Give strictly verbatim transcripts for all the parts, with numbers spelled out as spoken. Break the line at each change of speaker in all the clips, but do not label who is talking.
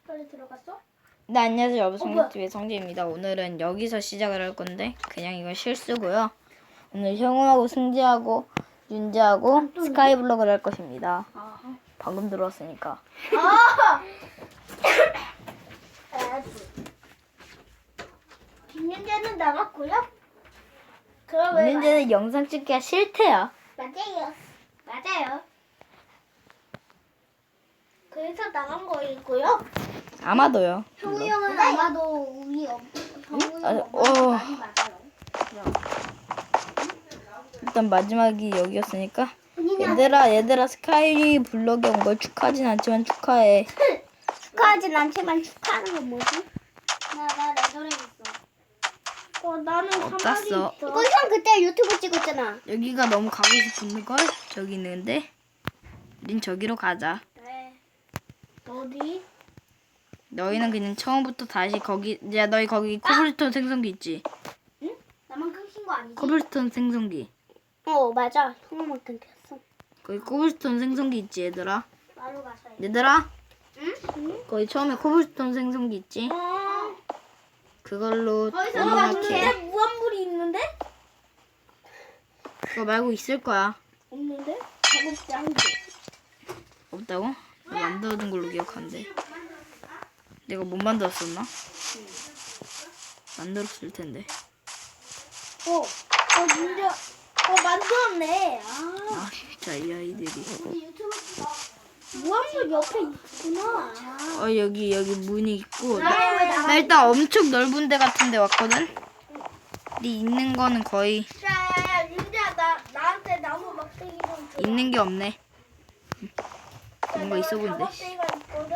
빨리 들어갔어?
네, 안녕하세요. 여러분,
어, 뭐야?
성지TV의 성지입니다. 오늘은 여기서 시작을 할 건데 그냥 이건 실수고요. 오늘 형우하고 승지하고 윤지하고 스카이블럭을 할 것입니다.
아.
방금 들어왔으니까.
아! 김윤재는 나갔고요. 그럼 왜
윤지는 영상 찍기가 싫대요.
맞아요. 맞아요. 그래서 나간 거이고요.
아마도요.
형우
물론.
형은 아마도 우리 어, 형우
아,
형
어.
엄마랑 많이 맞아요.
일단 마지막이 여기였으니까.
본인이
얘들아, 얘들아, 스카이블럭에 온 걸 축하하진 않지만 축하해.
축하하진 않지만 축하하는 건 뭐지? 나나 레더링 있어. 어 나는 가만히
어땠어?
있어. 이거 형 그때 유튜브 찍었잖아.
여기가 너무 가고 싶은 걸 저기 있는데. 우린 저기로 가자.
네. 어디?
너희는 그냥 처음부터 다시 거기 야 너희 거기 코블스톤 생성기 있지?
응? 나만 끊긴 거 아니지?
코블스톤 생성기
어 맞아. 형만 끊겼어.
거기 코블스톤 생성기 있지 얘들아?
바로 가서 해.
얘들아?
응? 응?
거기 처음에 코블스톤 생성기 있지?
어.
그걸로
거기서
이렇게
무한물이 있는데?
그거 말고 있을 거야.
없는데? 작업대 한 개.
없다고? 나 만들어둔 걸로 기억하는데 내가 못 만들었었나? 만들었을 텐데.
어. 어 진짜. 어 만들었네. 아.
아 진짜 이 아이들이.
우리 유튜브 무한물 옆에 있구나. 아.
어 여기 여기 문이 있고
왜
나,
나가?
나 일단 엄청 넓은 데 같은 데 왔거든? 근데 있는 거는 거의
야, 윤지야, 나 나한테 나무 막대기 좀 줘.
있는 게 없네. 뭔가 있어 보이는데.
막대기가 있거든.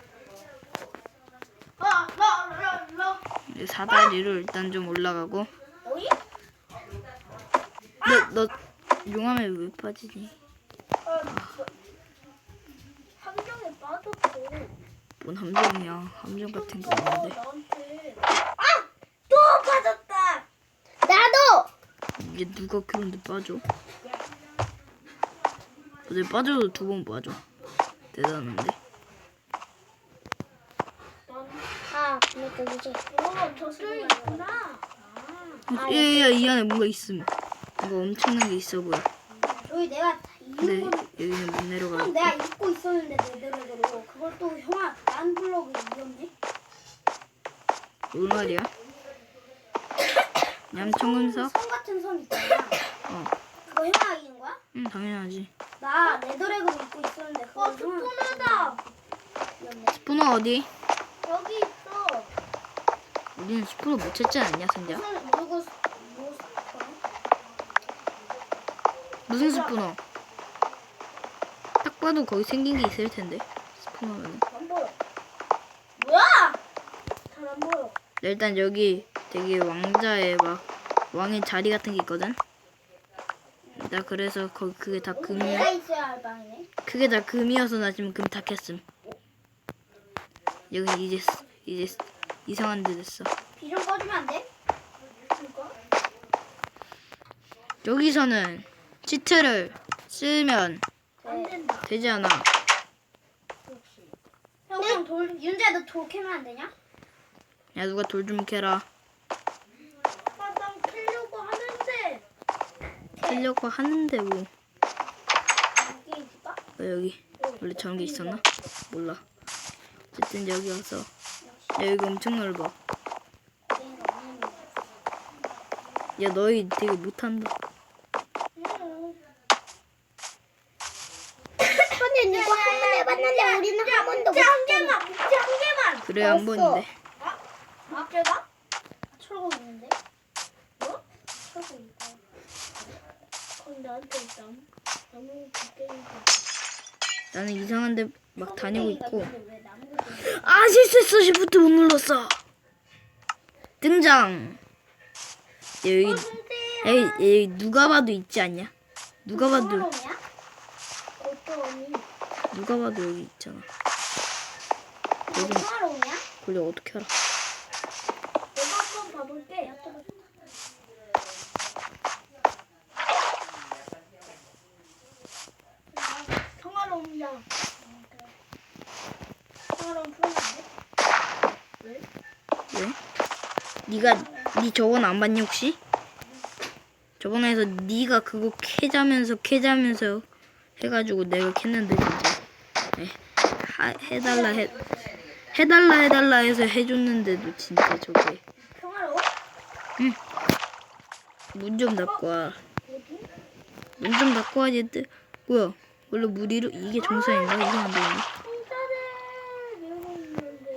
라, 라, 라, 라.
이제 사다리로 일단 좀 올라가고.
어이?
너, 너 용암에 왜 빠지니?
아, 함정에 빠졌어.
뭔 함정이야. 함정 같은 거 없는데.
나한테. 아! 또 빠졌다. 나도.
이게 누가 그런데 빠져? 어제 빠져도 두 번 빠져. 대단한데.
아, 이거 이제. 어, 저쪽에 있구나.
야야야 이 안에 뭔가 있음. 뭔가 엄청난 게 있어 보여.
여기 내가
근데
이은 건
여기는 못
형
내려가고.
내가 입고 있었는데 내대로 그걸 또 형아 난 블록을 이겼네.
뭔 말이야? 얌청금석?
선 같은 선 있잖아.
어.
그거 형아 이긴 거야?
응 당연하지.
나 레더렉을 입고 있었는데 그거 어, 스푸너다. 이겼네.
스푸너 어디?
여기 있어.
우리는 스푸너 못 찾지 않냐 승자?
무슨 누구 뭐 스푸너?
무슨 스푸너? 딱 봐도 거기 생긴 게 있을 텐데. 스푸너는.
안 보여. 뭐야? 잘 안 보여.
일단 여기 되게 왕자의 막 왕의 자리 같은 게 있거든. 나 그래서 거기 그게 다 금이
내가 있어야 할 방이네.
그게 다 금이어서 나 지금 금 다 캤음. 여기 이제 쓰- 이제 쓰- 이상한 데 됐어.
비 좀 꺼주면 안 돼? 이거?
여기서는 치트를 쓰면
안 된다.
되지 않아.
형, 형 돌, 윤재야 너 돌 캐면 안 되냐?
야 누가 돌 좀 캐라.
아, 난 캐려고 하는데.
캐려고 하는데 뭐.
여기 있을까?
어, 여기 원래 저런 게 있었나? 몰라. 어쨌든 여기 와서 야 여기 엄청 넓어. 야 너희 되게 못한다.
근데 이거 한 번 해봤는데 우리는 한 번도 못 한 개만, 목재 한 개만.
그래 한 번인데.
목재가? 철거 있는데? 뭐? 철거 있다. 그럼 나한테 있다. 나무 곡괭이가.
나는 이상한데 막 다니고 있고.
왜 나무 곡괭이?
아 실수했어. 시프트 못 눌렀어. 등장. 야, 여기 여기, 여기 누가 봐도 있지 않냐? 누가 봐도
평화로우냐? 어떠니?
누가 봐도 여기 있잖아.
너
여기
평화로우냐?
그래 어떻게 알아?
내가 한번 봐볼게. 평화로움이야. 평화로움 풀어놨네.
네가 네 저번 안 봤니 혹시? 저번에서 네가 그거 캐자면서 캐자면서 해가지고 내가 캤는데 진짜 에, 하, 해달라 해 해달라 해달라 해서 해줬는데도 진짜 저게
평화로워?
문 좀 닫고 와.
어디?
문 좀 닫고 와지. 뜨 뭐야? 원래 물 이러 이게 정상인가? 이거 안 되는데.
상자를 밀고 있는데.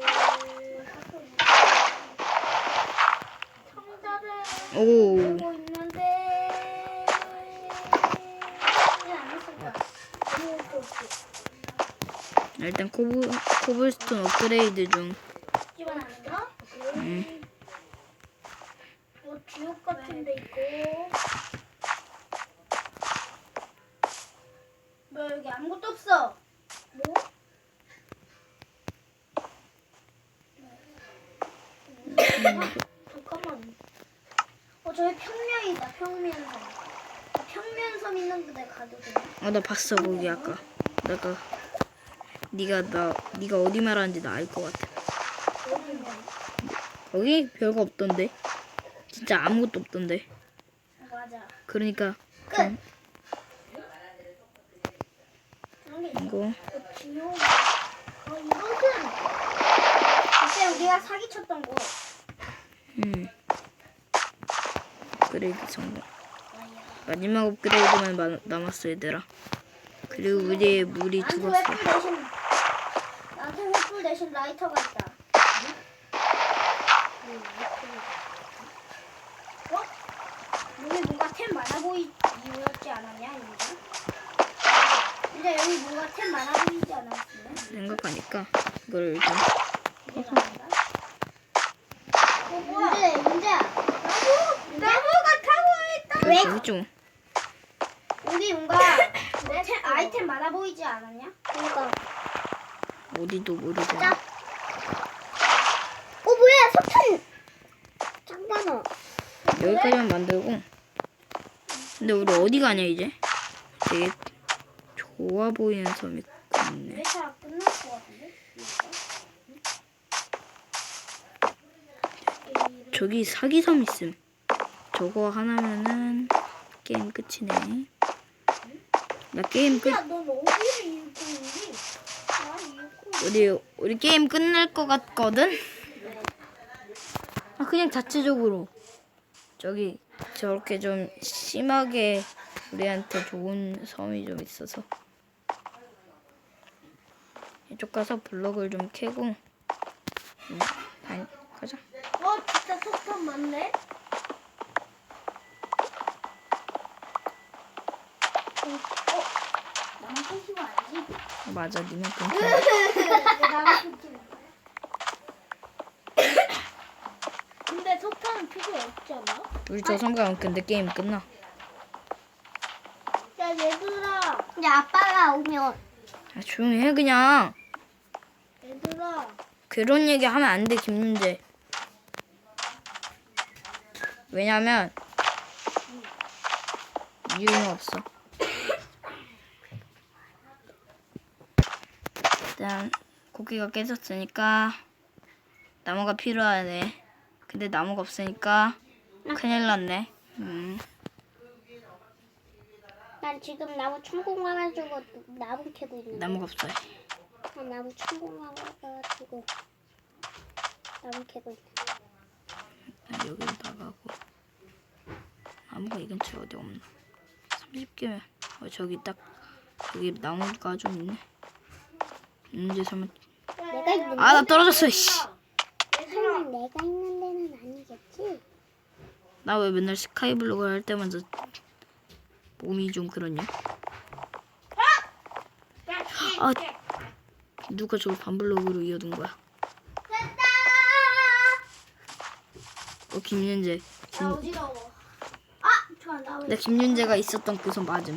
상자를
오.
밀고 있는데. 이제 안 했을 거야. 아무것도 없지.
일단 코블 코블스톤 업그레이드 중.
집어넣는 거?
음.
뭐 지옥 같은 데 있고. 뭐 여기 아무것도 없어. 뭐? 잠깐만. 어 저기 평면이다. 평면섬. 평면섬 있는 데 가도 돼.
아 나 봤어 거기 아까. 내가 네가 나 네가 어디 말하는지 나 알 것 같아.
어딘데?
거기 별거 없던데. 진짜 아무것도 없던데.
어, 맞아.
그러니까
끝.
좀
그런 게 있어.
이거
어, 지옥. 어 이것은 그때 우리가 사기쳤던 곳.
음 업그레이드 성공. 마지막 업그레이드만 마, 남았어 얘들아. 그리고 우리의 물이
나한테
죽었어.
횃불 대신 나한테 횃불 대신 라이터가 있다. 어? 여기 뭔가 템 많아 보이지 않았냐 이제? 이제 여기 뭔가 템 많아 보이지 않았네?
생각하니까 이걸 일단
이게 나온다. 어 뭐야? 문제 문제야. 나무 나무가 타고 있다. 왜?
저기 좀
여기 뭔가 템, 아이템 많아 보이지 않았냐? 그러니까.
어디도 모르잖아.
자. 어 뭐야 석탄. 짱 많아.
여기까지만 만들고. 근데 우리 어디 가냐 이제? 되게 좋아 보이는 섬이 있네.
회차 끝날 것 같은데?
저기 사기섬 있음. 저거 하나면은 게임 끝이네. 나 게임 끝.
야, 넌 어디에 읽고 있니? 나 읽고.
우리 우리 게임 끝날 것 같거든. 아 그냥 자체적으로 저기 저렇게 좀 심하게 우리한테 좋은 섬이 좀 있어서 이쪽 가서 블럭을 좀 캐고 음, 가, 가자.
어, 진짜 석탄 많네. 어, 나만 펜시고 알지?
맞아 니만 끊
나만 펜시고. 근데 석탄은 필요 없지 않아?
우리 저 섬 가면 근데 게임 끝나.
야, 얘들아. 근데 아빠가 오면.
아, 조용히 해 그냥.
얘들아.
그런 얘기 하면 안 돼 김윤재. 왜냐면 이유는 없어. 일단 고기가 깨졌으니까 나무가 필요하네. 근데 나무가 없으니까 큰일 났네. 음.
난 지금 나무 천공해가지고 나무 캐고 있는데.
나무가 없어요.
난 나무 천공해가지고 나무 캐고 있는데.
난 여기로 나가고 나무가 이 근처에 어디 없나? 삼십 개면 어, 저기 딱 여기 나무가 좀 있네. 문제 설마
내가 있는
아 나 떨어졌어. 씨.
설마 내가 있는 데는 아니겠지?
나 왜 맨날 스카이블록을 할 때마다 몸이 좀 그러냐? 아 누가 저걸 반블록으로 이어둔 거야?
됐다!
어 김윤재. 김,
나 어지러워. 아! 잠깐 나
나
왜?
김윤재가 있었던 그 손 맞음.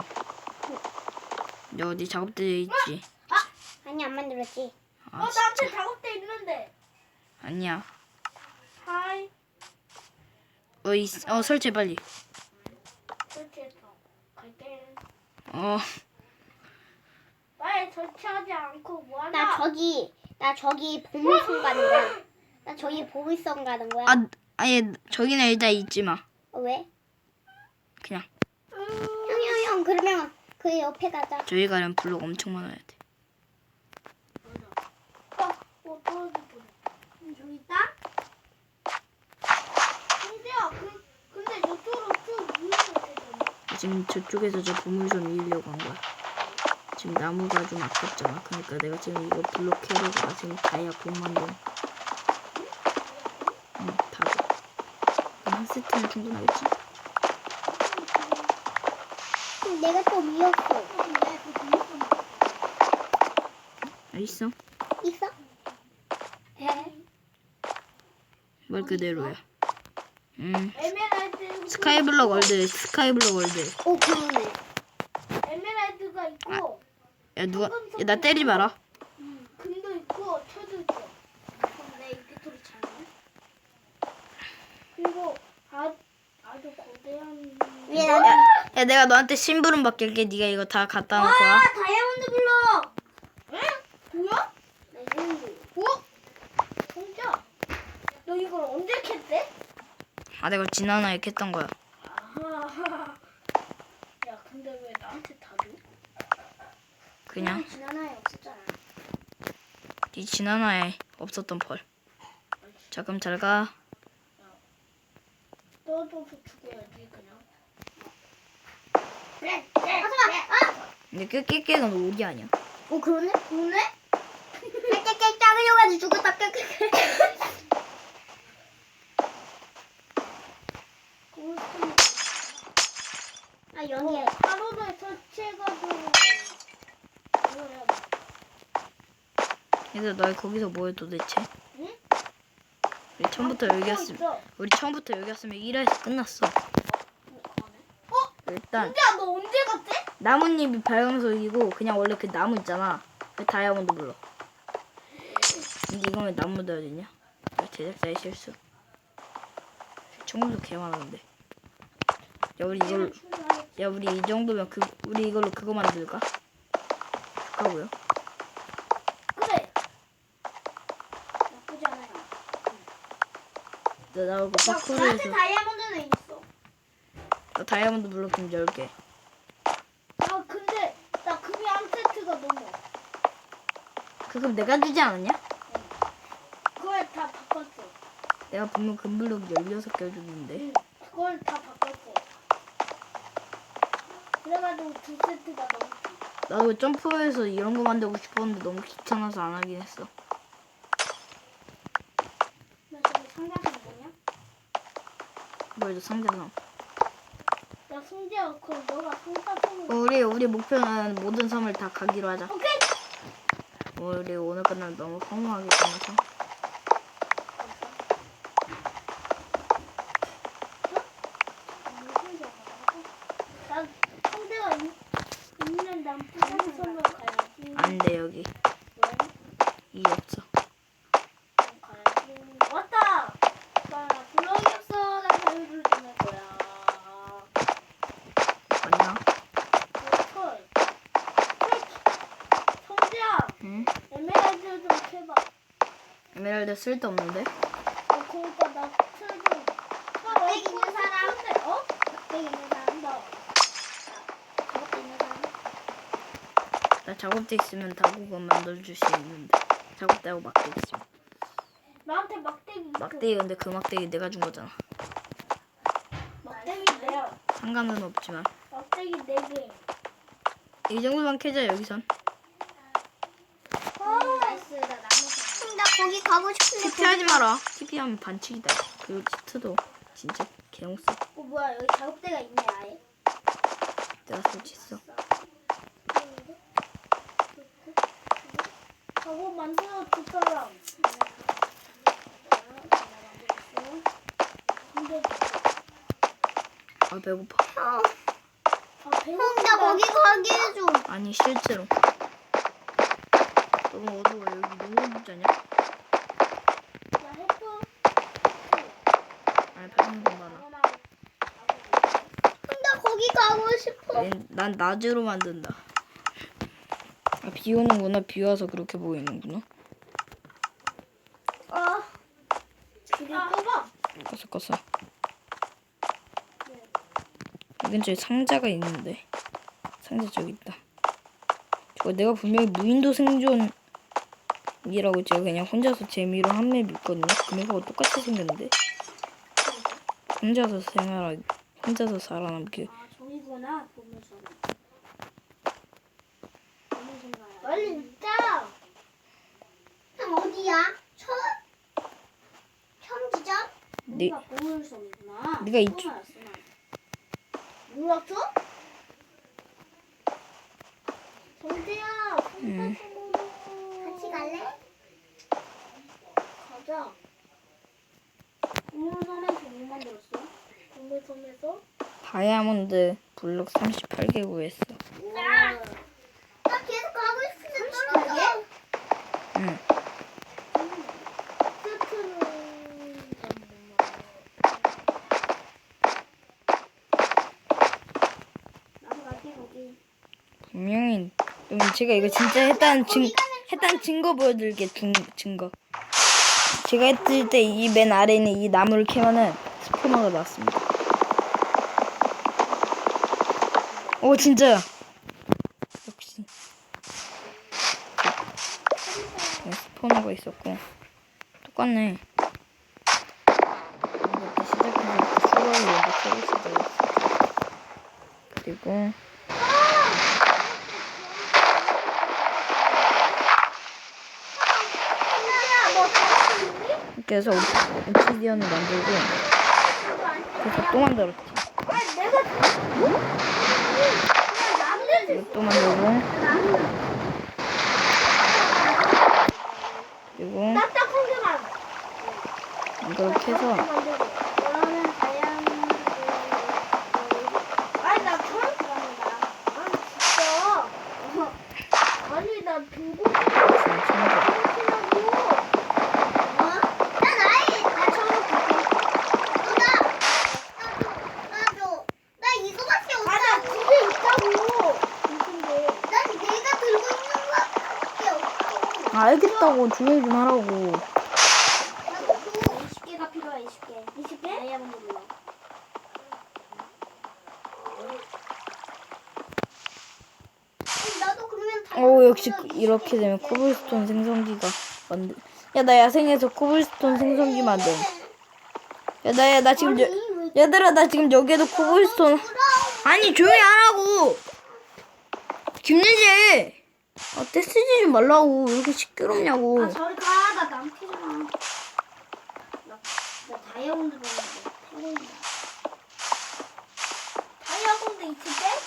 너 어디 작업대에 있지?
아니 안 만들었지.
아
나한테
진짜
작업대 있는데.
아니야.
하이.
어, 이, 어 설치 빨리.
설치했어. 갈게.
어
빨리 설치하지 않고 뭐하나? 나 저기 나 저기 보물섬 가는 거야. 나 저기 보물섬 가는 거야.
아 아예 저기는 일단 잊지 마.
어, 왜?
그냥
형, 형, 형, 그러면 그 옆에 가자.
저기 가려면 블록 엄청 많아야 돼.
어, 어, 떨어질 뻔. 저기 있다? 근데요, 그, 근데 저쪽으로 쭉 밀면 되잖아.
지금 저쪽에서 저 보물섬 이으려고 한 거야. 지금 나무가 좀 아깝잖아. 그러니까 내가 지금 이거 블록 캐려다가 지금 다이아 못 만든. 응, 다 돼. 한 세트는 충분하겠지?
그럼 내가 또 미웠어.
아, 있어?
있어? 에?
말 그대로야. 음.
에메랄드.
스카이블럭 월드, 스카이블럭 월드.
오, 그러네. 에메랄드가 있고,
야, 누가, 야, 나 때리지 마라.
음, 금도 있고, 철도 있어. 그럼 내 인벤토리 잘해. 그리고 아, 아주 거대한.
야, 야, 내가 너한테 심부름 받길게. 네가 이거 다 갖다 놓을 거야.
아, 다이아몬드 블럭. 응? 뭐야? 레전드. 어? 진짜? 너 이걸 언제 캤대?
아, 내가 지난화에 캤던 거야.
아하. 야, 근데 왜 나한테 다 줘?
그냥
지난화에 없었잖아.
네 지난화에 없었던 펄. 자, 그럼 잘 가.
너도 죽어야지 그냥. 그래. 그래. 하지마. 아.
근데 깨깨깨는 오기 아니야.
어, 그러네? 그러네? 깨깨깨 작으려가지고 죽었다. 깨깨깨. 아, 여기에 하루를 설치해가지고 이걸 해야 돼.
얘들 너 거기서 뭐해 도대체?
응?
우리 처음부터
아,
여기였으면
있어.
우리 처음부터 여기였으면 일 화에서 끝났어.
어?
일단
진짜 너 언제 갔지?
나뭇잎이 발광석이고 그냥 원래 그 나무 있잖아. 그 다이아몬드 불러. 근데 이건 왜 나무 넣어야 되냐? 제작자의 실수. 청금도 개 많았는데. 야 우리 이걸로 야 우리 이 정도면 그 우리 이걸로 그거 만들까? 가고요.
그래. 나쁘지 않아요.
나 나오고
야,
파쿠르에서
나한테 다이아몬드는 있어.
나 다이아몬드 블록 좀 열 개.
아, 근데 나 금이 한 세트가 넘어.
그거 내가 주지 않았냐?
그걸 다 바꿨어.
내가 분명 금블록 열여섯 개 줬는데.
응, 그걸 다 바꿨어. 그래가지고 두 세트가 넘었지.
나도 점프해서 이런 거 만들고 싶었는데 너무 귀찮아서 안 하긴 했어.
나 저기 상자는 뭐냐?
뭐야, 상자상.
야, 승재야, 그럼 너가 상자 손을.
우리 우리 목표는 모든 섬을 다 가기로 하자.
오케이.
우리 오늘 끝나면 너무 허무하게 끝나서.
난 상대가 있- 있는 난 부산 섬을 가야지.
안 돼, 여기
왜?
이 없어.
그럼 가야지. 왔다. 나 블럭이 없어. 나 자유를 주는 거야.
맞나?
철. 철. 성재야,
응?
에메랄드 좀 캐봐.
에메랄드 쓸데없는데?
어, 그러니까 나철 좀. 철 있는 사람. 근데 어? 백 있는 사람 너. 저것도 있는 사람.
나 작업대 있으면 다국어 만들어줄 수 있는데. 작업대하고 막대기 있으면.
나한테 막대기 있어.
막대기 근데 그 막대기 내가 준 거잖아.
막대기 내야.
상관은 없지만.
막대기 네 개.
이 정도만 캐자, 여기선.
어, 나이스. 나 나무. 나 거기 가고 싶은데.
티피하지 마라. 티피하면 반칙이다. 그리고 치트도 진짜 개못써.
어, 뭐야, 여기 작업대가 있네, 아예.
내가 설치했어.
작업 만들어 줄 사람. 근데
아, 배고파.
아, 배고프다. 나 거기 가게 해줘.
아니, 실제로. 너무 어두워. 여기 너무 어둡잖냐?
나 해줘.
아니, 배고픈 건 많아.
나 거기 가고 싶어.
난, 난 낮으로 만든다. 아, 비 오는구나. 비 와서 그렇게 보이는구나.
아, 그리 뽑아.
껐어 껐어. 이 근처에 상자가 있는데 상자 저기 있다. 저거 내가 분명히 무인도 생존이라고 제가 그냥 혼자서 재미로 한 맵 있거든요. 그 맵하고 똑같이 생겼는데 혼자서 생활하 혼자서 살아남기.
아 저기구나 보물섬. 보물섬 가야. 빨리 있다. 형 어디야? 처 평지점?
네.
여기가 보물섬이구나.
네가 이쪽-
처음 알았어, 난. 몰랐어? 정재야,
응.
같이 갈래? 가자. 보물섬에서 뭐 만들었어? 보물섬에서?
다이아몬드 블록 삼십팔 개 구했어.
나, 나 계속 가고 있어. 삼십팔 개?
응.
나도 갈게 거기.
분명히 그럼 제가 이거 진짜 했다는 증 했다는 증거 보여드릴게. 증 증거. 제가 했을 때 이 맨 아래에 있는 이 나무를 캐면은 스포너가 나왔습니다. 오 진짜야. 역시. 네, 스포너가 있었고 똑같네. 이것도 시작해서 수학을 연습하고 있었어요. 그리고 이렇게 해서 옵시디언을 만들고 그래서 또 만들었지.
아니 내가 그냥 나무를
이거 또 만들고 그리고
딱딱한 개만
이렇게 해서
만들고 그러면 다이아몬드 아니 나 처음 들어간다. 아니 진짜 아니 나 들고
챙겨. 아, 알겠다고 조용히 좀 하라고.
이십 개가 필요해. 이십 개. 이십 개? 다이아몬드 블록. 나도 그러면
오 역시 이렇게 되면 코블스톤 생성기가 만들. 야 나 야생에서 코블스톤 생성기 만듦. 야나야 나 지금 여, 얘들아 나 지금 여기에도 코블스톤. 아니 조용히 하라고. 김예지. 아 떼쓰지 좀 말라고. 왜 이렇게 시끄럽냐고.
아 저리 가. 나 남캐잖아. 나, 나 다이아몬드 보는데 태고이다. 다이아몬드 이십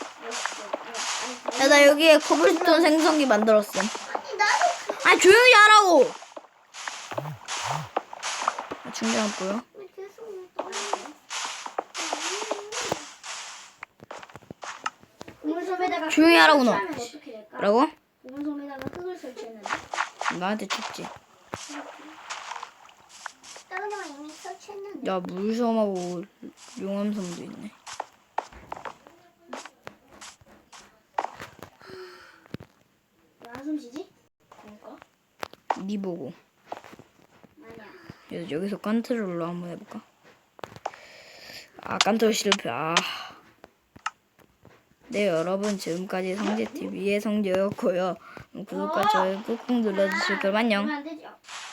개?
야 나 여기에 코블스톤 생성기 만들었음.
아니 나도
아 조용히 하라고. 아, 충전 보여?
계속 떠나네. 보물섬에다가
조용히 하라고, 너.
설치하면 어떻게 될까?
뭐라고?
보물섬에다가 흙을 설치했는데
나한테 춥지.
다른 데만 이미 설치했는데
야 물섬하고 용암섬도 있네.
왜 한숨 쉬지? 그러니까?
니 보고.
아니야.
그래서 여기서 컨트롤로 한번 해볼까? 아 컨트롤 실패. 아. 네 여러분 지금까지 성재티비의 성재였고요. 구독과 좋아요 꾹꾹 눌러주실 거면 안녕.
그러면 안 되죠.